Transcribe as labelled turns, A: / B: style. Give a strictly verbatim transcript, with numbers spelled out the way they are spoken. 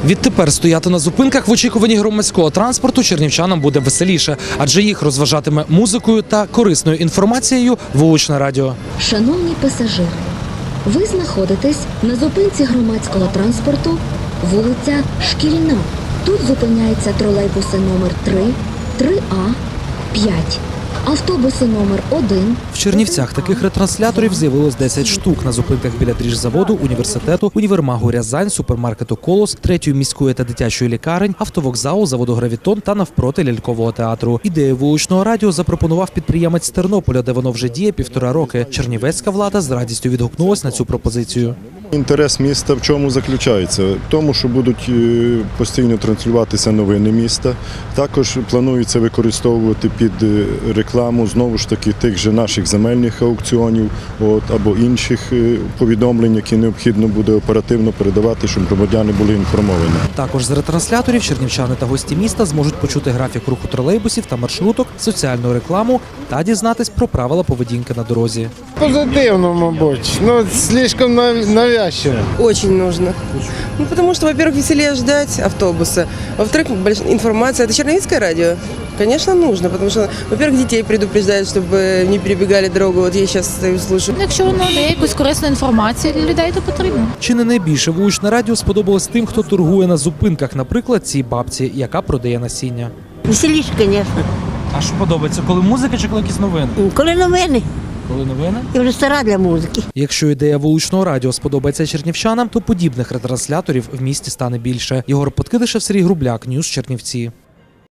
A: Відтепер стояти на зупинках в очікуванні громадського транспорту чернівчанам буде веселіше, адже їх розважатиме музикою та корисною інформацією вуличне радіо.
B: Шановні пасажири, ви знаходитесь на зупинці громадського транспорту, вулиця Шкільна. Тут зупиняються тролейбуси номер три, три А, п'ять, автобуси номер один.
A: В Чернівцях таких ретрансляторів з'явилось десять штук на зупинках біля дріжзаводу, університету, універмагу «Рязань», супермаркету «Колос», третьої міської та дитячої лікарень, автовокзалу, заводу «Гравітон» та навпроти лялькового театру. Ідею вуличного радіо запропонував підприємець з Тернополя, де воно вже діє півтора роки. Чернівецька влада з радістю відгукнулась на цю пропозицію.
C: Інтерес міста в чому заключається? В тому, що будуть постійно транслюватися новини міста. Також планується використовувати під рекламу, знову ж таки, тих же наших земельних аукціонів от, або інших повідомлень, які необхідно буде оперативно передавати, щоб громадяни були інформовані.
A: Також з ретрансляторів чернівчани та гості міста зможуть почути графік руху тролейбусів та маршруток, соціальну рекламу та дізнатись про правила поведінки на дорозі.
D: Позитивно, мабуть. Ну, слишком навязчиво.
E: Очень нужно. Ну, потому что, во-первых, веселее ждать автобуса. Во-вторых, информация. Это Черновицкое радио? Конечно, нужно, потому что, во-первых, детей предупреждают, чтобы не перебегали дорогу. Вот я сейчас стою, слушаю.
F: Якщо воно дає якусь корисну інформацію для людей, то потрібно.
A: Чи не найбільше вуличне радіо сподобалось тим, хто торгує на зупинках, наприклад, цій бабці, яка продає насіння?
G: Веселіше, звісно.
A: А що подобається, коли музика чи коли якісь новини?
G: Коли новини.
A: Коли новини?
G: Я вже стара для музики.
A: Якщо ідея вуличного радіо сподобається чернівчанам, то подібних ретрансляторів в місті стане більше. Єгор Подкидишев, Сергій Грубляк, Ньюс Чернівці.